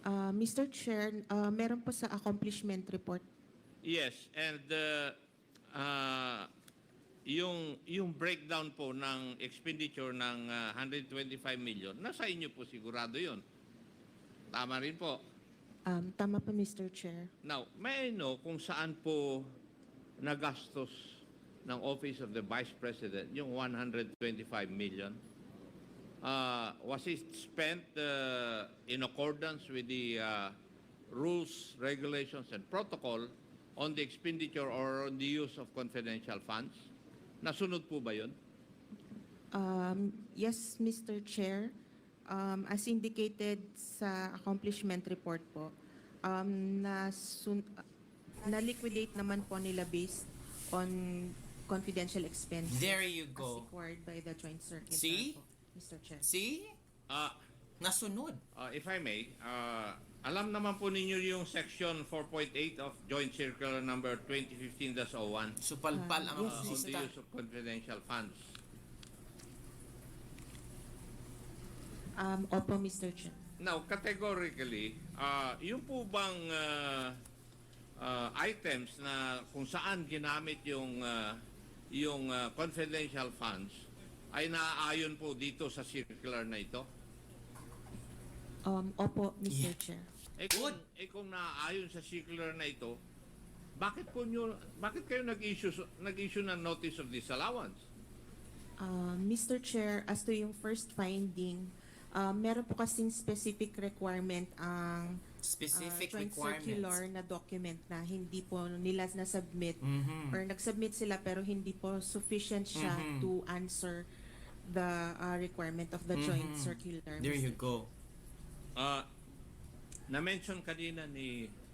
Mr. Chair, meron po sa accomplishment report. Yes, and yung breakdown po ng expenditure ng 125 million, nasa inyo po sigurado yun. Tama rin po. Tama po, Mr. Chair. Now, may I know kung saan po nagastos ng Office of the Vice President yung 125 million? Was it spent in accordance with the rules, regulations, and protocol on the expenditure or on the use of confidential funds? Nasunod po ba yun? Yes, Mr. Chair. As indicated sa accomplishment report po, na-liquidate naman po nila based on confidential expenses. There you As go. required by the Joint Circuit. See? Po, Mr. Chair. See? Nasunod. If I may, alam naman po ninyo yung section 4.8 of Joint Circular number 2015-01 Supalpal ang yes, on the artista. use of confidential funds. Opo, Mr. Chair. Now, categorically, yung po bang items na kung saan ginamit yung confidential funds ay naaayon po dito sa circular na ito? Opo, Mr. Yeah. Chair. Kung naaayon sa circular na ito, bakit kayo nag-issue ng notice of disallowance? Mr. Chair, as to yung first finding, meron po kasing specific requirement ang Specific joint requirements. circular na document na hindi po nila na-submit Mhm. or nag-submit sila pero hindi po sufficient siya Mhm. to answer the requirement of the joint Mhm. circular. There you Mr. go. Na-mention kanina ni